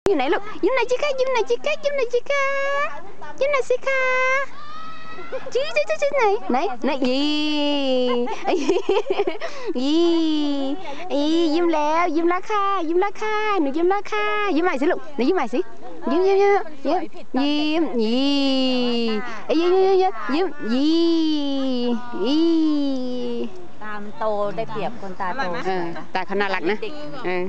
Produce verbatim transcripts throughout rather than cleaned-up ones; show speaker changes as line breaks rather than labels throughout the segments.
อยู่ไหนลูกยิ้มหน่อยจิคะยิ้มหน่อยจิคะยิ้มหน่อยจิคะยิ้มหน่อยสิคะจี้จี้จี้จี้ไหนไหนไหนยี่ยี่ยี่ยิ้มแล้วยิ้มแล้วค่ะยิ้มแล้วค่ะหนูยิ้มแล้วค่ะยิ้มใหม่สิลูกหนูยิ้มใหม่สิยิ้มยิ้มยิ้มยิ้มยิ้มยิ้มยิ้มยิ้มยิ้มยิ้ม
ตามโตได้เปรียบคนตาโต
ตาเขาน่ารักนะเออ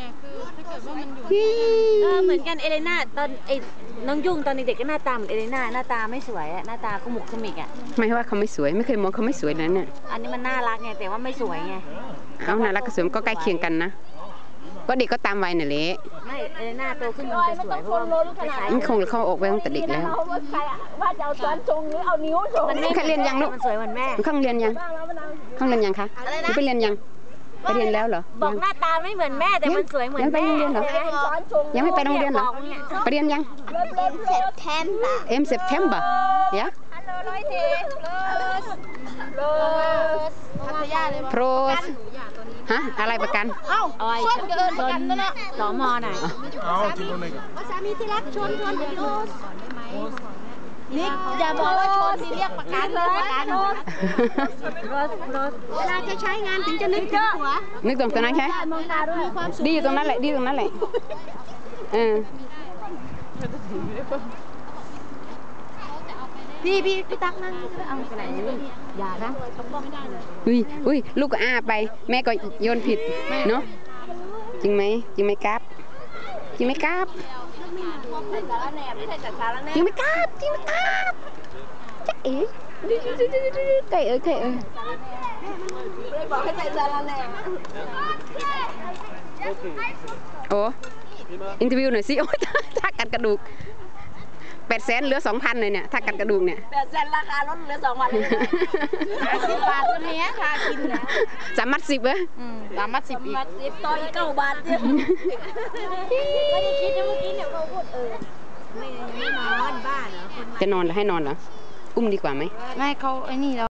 เหมือนกันเอเลน่าตอนไอ้น้องยุ่งตอนเด็กๆก็หน้าตาเหมือนเอเลน่าหน้าตาไม่สวยอะหน้าตาขมุกขมิกอะ
ไม่ว่าเขาไม่สวยไม่เคยมองเขาไม่สวยนั้นเนี่ย
อันนี้มันน่ารักไงแต่ว่าไม่สวยไง
เอาน่ารักกับสวยก็ใกล้เคียงกันนะก็เด็กก็ตามวัยน่ะเละ
ไม่เอเลน่าโตขึ้นมันจะสวยเพราะว่า
มันคงเข้าออกไปตั้งแต่เด็กแล้ว
ว่าจะเอาช้อนชงหรือเอานิ้วชง
มัน
ไม่เรียนยังลูก
มันสวยเหมือนแม่
ข้างเรียนยังข้างเรียนยังคะไปเรียนยังไปเรียนแล้วเหรอ
บอกหน้าตาไม่เหมือนแม่แต่มันสวยเหมือนแม่
ยังไปโรงเรียนเหรอยังไม่ไปโรงเรียนเหรอไปเรียนยังเอ็มเซปเทมเบอร์ยะโปรสฮะอะไรประกัน
เอ้าชวนเกินประกันนั่นแหละ
สอมอหน่อย
สามีที่รักชวนชวนโรสนิกอย่าบอกว่าชนสิเรียกประกันเลยประกันรถรถเวลาจะใช้งานถึงจะนึกถึงหัว
นึกตรงตรงนั้นใช่ดีอยู่ตรงนั้นแหละดีตรงนั้นแหละเออ
พี่พี่พี่ตักนั่งเอาไปไหนอย่านะ
อุ้ยอุ้ยลูกก็อ้าไปแม่ก็โยนผิดเนาะจริงไหมจริงไหมครับจริงไหมครับจริงไหมครับจริงไหมครับจ๊ะเอ๋ไก่เอ๋ไก่เอ๋
บอกให้ใส่สารแหน่
โอ้อินเทอร์วิวหน่อยสิโอ้ยถ้ากัดกระดูกแปดแสนเหลือสองพันเลยเนี่ยถ้ากัดกระดูกเนี่ย
แปดแสนราคาลดเหลือสองพันเลยสิบบาทตัวนี้ค่ะกินแล้ว
สามมัดสิบเหรอ
สามมัดสิบอีกต่ออีกเก้าบาทเนี่ยไม่ได้คิดนะเมื่อกี้เนี่ยเขาพูดเออไม่ไม่นอนบ้าเหรอ
จะนอนหรือให้นอนเหรออุ้มดีกว่าไหม
ไม่เขาไอ้นี่